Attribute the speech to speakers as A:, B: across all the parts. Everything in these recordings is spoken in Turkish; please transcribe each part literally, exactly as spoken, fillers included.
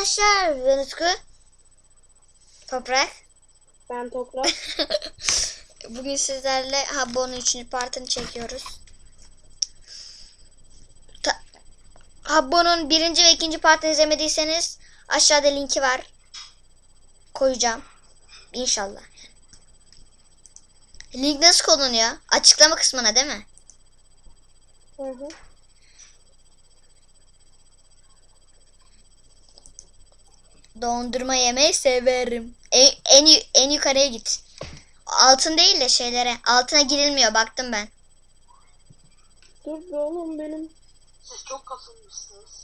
A: arkadaşlar, ben Utku. Toprak.
B: Ben Toprak.
A: Bugün sizlerle Habbo'nun üçüncü partını çekiyoruz. Ta Habbo'nun birinci ve ikinci partını izlemediyseniz aşağıda linki var. Koyacağım. İnşallah. Link nasıl konuluyor? Açıklama kısmına değil mi?
B: Hı hı.
A: Dondurma yemeyi severim. En, en, en yukarıya git. Altın değil de şeylere. Altına girilmiyor, baktım ben.
B: Dur be oğlum benim.
C: Siz çok kasılmışsınız.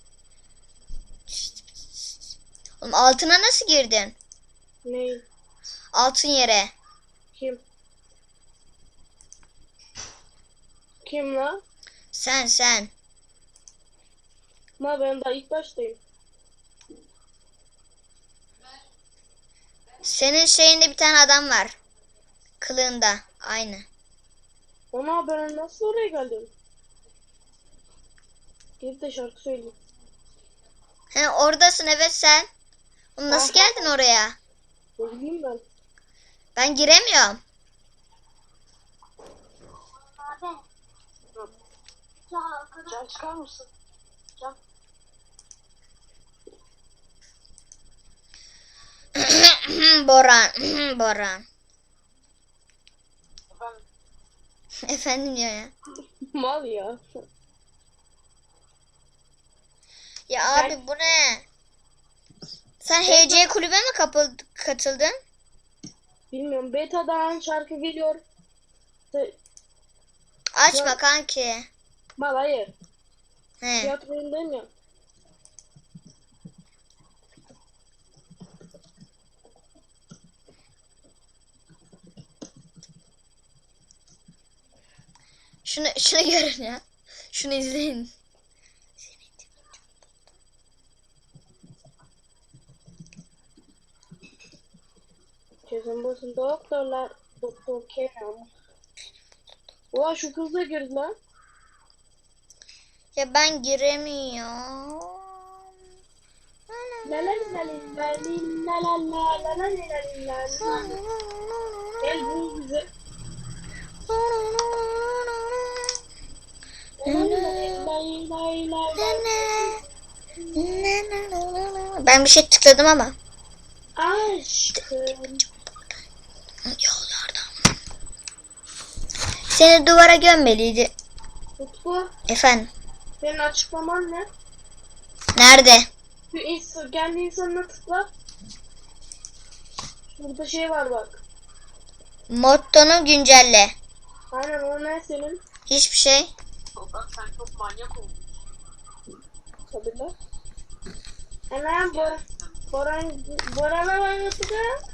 A: Oğlum altına nasıl girdin?
B: Ne?
A: Altın yere.
B: Kim? Kim la?
A: Sen sen.
B: Ma ben daha ilk baştayım.
A: Senin şeyinde bir tane adam var. Kılığında. Aynı.
B: Ona ben nasıl oraya geldim? Gidip de şarkı söyleyeyim.
A: He, oradasın evet sen. Oğlum nasıl
B: Ah.
A: geldin oraya?
B: Ne bileyim ben.
A: Ben giremiyorum.
C: Can çıkar mısın? Can.
A: Boran. Boran.
C: Efendim.
A: Efendim diyor ya.
B: Mal ya.
A: Ya
B: Ben-
A: abi bu ne? Sen H C kulübe mi kapıl katıldın?
B: Bilmiyorum. Beta'dan şarkı geliyor. Te-
A: Açma
B: Ya-
A: kanki.
B: Mal hayır.
A: He.
B: Tiyatroyundayım ya.
A: Şunu şunu görün ya. Şunu izleyin.
B: Kesin basın doktorlar. Doktor Kerem. Ulan şu kız da girdi lan.
A: Ya ben giremiyorum.
B: La la la la la la la la la la la la la. Gel bul bize.
A: Ben bir şey tıkladım ama.
B: Aşkım.
A: Yollardan. Seni duvara gömmeliydi.
B: Utku,
A: Efendim.
B: senin açıklaman ne?
A: Nerede?
B: Şu insan, kendi insanına tıkla. Burada şey var bak.
A: Mottonu güncelle.
B: Aynen o ne senin?
A: Hiçbir şey.
C: Toprak sen çok manyak oldun.
B: Tabii lan. Hemen Bor Boran Boran'a bak Utku.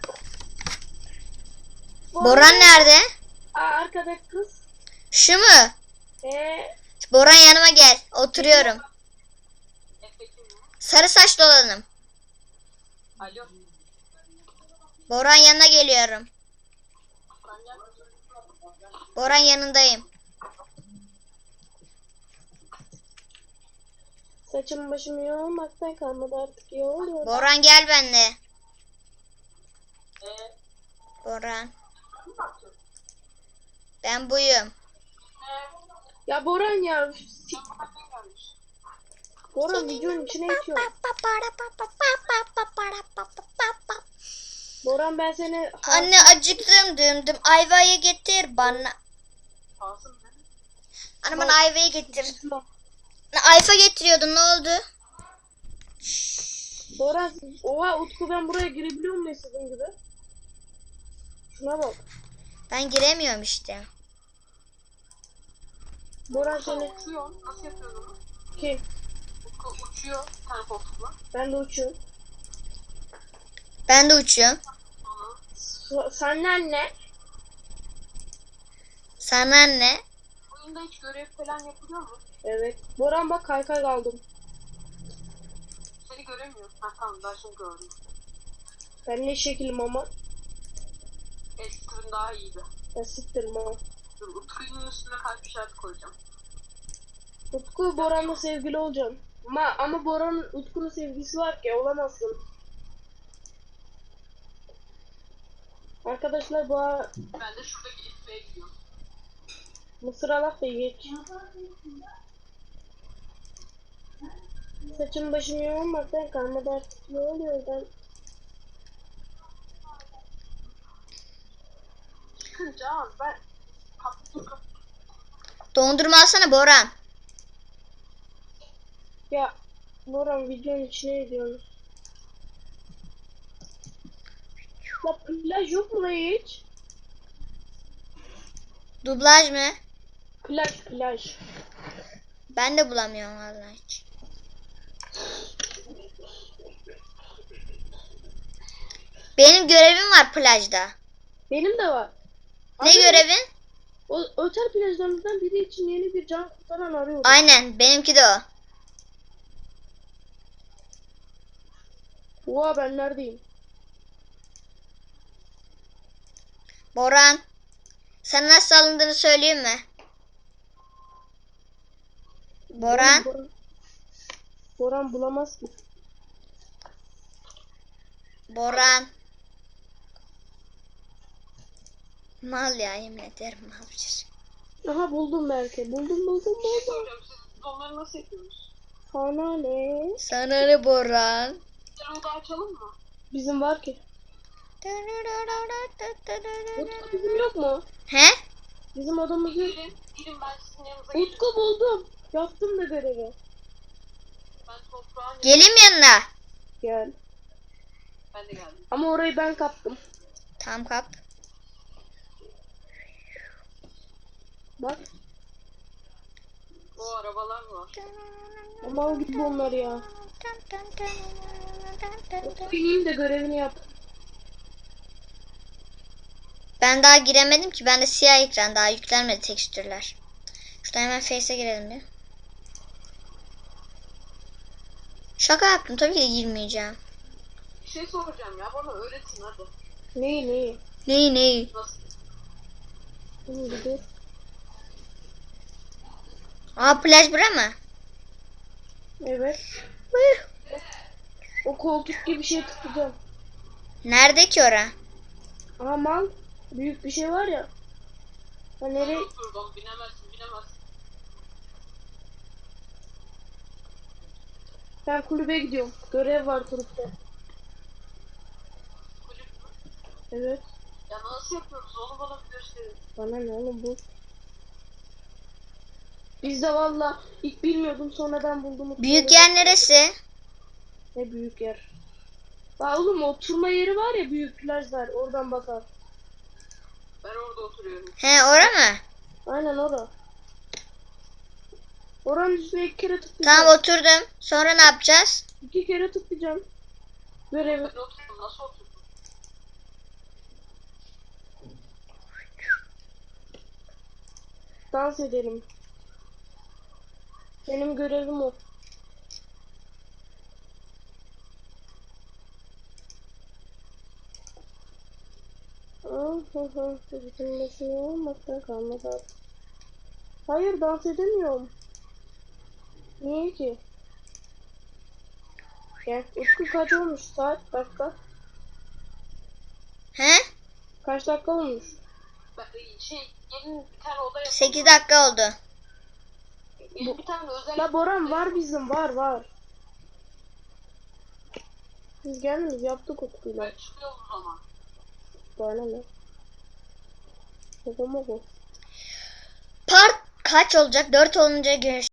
A: Boran nerede?
B: Aa, arkadaki kız.
A: Şu mu?
B: Eee
A: Boran yanıma gel. Oturuyorum.
C: Efekim mi?
A: Sarı saçlı olanım.
C: Alo.
A: Boran yanına geliyorum.
C: Manyak.
A: Boran yanındayım.
B: saçım başım yolmaktan kalmadı artık yol.
A: Boran gel benimle.
C: Eee?
A: Boran.
C: Ne yaptın?
A: Ben buyum.
C: Eee?
B: Ya Boran ya.
C: Sen bana ne gelmiş?
B: Boran videonun içine itiyor. Boran ben seni
A: Anne acıktım dümdüm. Ayvayı getir bana.
C: Kalsın benim.
A: Anne bana ayvayı getir. Ayfa getiriyordun, ne oldu?
B: Boran oha Utku ben buraya girebiliyor muyum istediğim gibi? Şuna bak.
A: Ben giremiyorum işte.
B: Boran
C: Sen
B: seni
C: uçuyor. Nasıl yapıyorsun onu?
B: kim?
C: Utku uçuyor. Tane koltukla.
B: Ben de uçuyorum.
A: Ben de uçuyorum.
C: Sonra
B: So- Senden ne?
A: Sana ne?
C: oyunda hiç görev falan yapılıyor mu?
B: Evet. Boran bak kaykay kaldım.
C: Seni göremiyorum. Ha tamam ben şimdi gördüm.
B: Ben ne şekilim ama.
C: Eski türün daha iyiydi.
B: Ben siktirim ama.
C: Dur Utku'nun üstüne kalp işareti koyacağım.
B: Utku Boran'la sevgili olacağım. Ama, ama Bora'nın Utku'nun sevgisi var ki olamazsın. Arkadaşlar bu ara
C: Ben de şuradaki ifeye gidiyorum.
B: mısır alak da geç. Saçım başım yoğunmaktan kalmadı artık. Ne oluyor ben?
C: Çıkınca ama ben kaptım kaptım.
A: Dondurma alsana Boran.
B: Ya Boran videonun içine ediyoruz. La plaj yok mu la hiç?
A: Dublaj mı?
B: Plaj plaj.
A: Ben de bulamıyorum vallahi hiç. Benim görevim var plajda.
B: Benim de var.
A: Ne
B: Abi,
A: görevin?
B: O otel plajlarımızdan biri için yeni bir can kurtaran arıyorum.
A: Aynen benimki de o.
B: Oha ben neredeyim?
A: Boran. Sana nasıl alındığını söyleyeyim mi? Boran.
B: Boran, Boran bulamaz ki.
A: Boran. Mal ya yemin ederim mal bir.
B: Aha buldum belki. Buldum buldum buldum.
C: Soracağım siz onları nasıl yapıyorsunuz?
B: Sana ne?
A: Sana ne Boran?
C: Bir oda açalım mı?
B: Bizim var ki. Utku bizim yok mu?
A: He?
B: Bizim odamız yok.
C: Gelin, gelin ben sizin yanınıza gelin.
B: Utku buldum. Yaptım da görevi.
C: Ben toprağın
A: Geleyim yanına.
B: Gel.
C: Ben de geldim.
B: Ama orayı ben kaptım.
A: Tam kap.
B: Bak.
C: O arabalar var.
B: Ama al git onları ya. Utku ineyim de görevini yap.
A: Ben daha giremedim ki. Bende siyah ekran daha yüklenmedi tekstürler. Şuradan hemen Face'e girelim bir. Şaka yaptım tabii ki de girmeyeceğim.
C: Bir şey soracağım ya bana öğretin hadi.
B: Neyi neyi?
A: Neyi neyi?
C: Nasıl?
B: Şimdi dur.
A: Aa plaj bura mı?
B: Evet. O koltuk gibi bir şey tıklayacağım.
A: Nerede ki ora?
B: Aha mal. Büyük bir şey var ya. Ha nereye?
C: Oturdum binemezsin binemezsin.
B: Ben kulübe gidiyorum. Görev var kulüpte.
C: Kulüp mü?
B: Evet.
C: Ya nasıl yapıyoruz onu bana bir gösterin.
B: Bana ne oğlum bu? Biz de valla ilk bilmiyordum sonradan buldum.
A: Büyük yer neresi?
B: Ne büyük yer. Bak oğlum oturma yeri var ya büyük plajlar oradan bakar.
C: Ben orada oturuyorum.
A: He ora mı?
B: Aynen orada. Oranın üstüne iki kere tıklayacağım.
A: Tamam oturdum. Sonra ne yapacağız?
B: İki kere tıklayacağım. Görevi.
C: Ben oturdum nasıl oturdum?
B: Dans edelim. Benim görevim o. Bitirmesi olmaktan kalmadı artık. Hayır dans edemiyorum. Niye ki? Gel. Utku kaç olmuş saat? Dakika.
A: He?
B: Kaç dakika olmuş?
C: Ben, şey gelin bir tane oda yapalım.
A: sekiz dakika oldu.
C: Gelin bir tane özel...
B: La Boran var bizim var var. Biz gelmeyiz yaptık Utku'yla.
C: Ben çıkıyorum o zaman.
B: Bana ne? Babama bu.
A: Part kaç olacak? dört olunca görüş.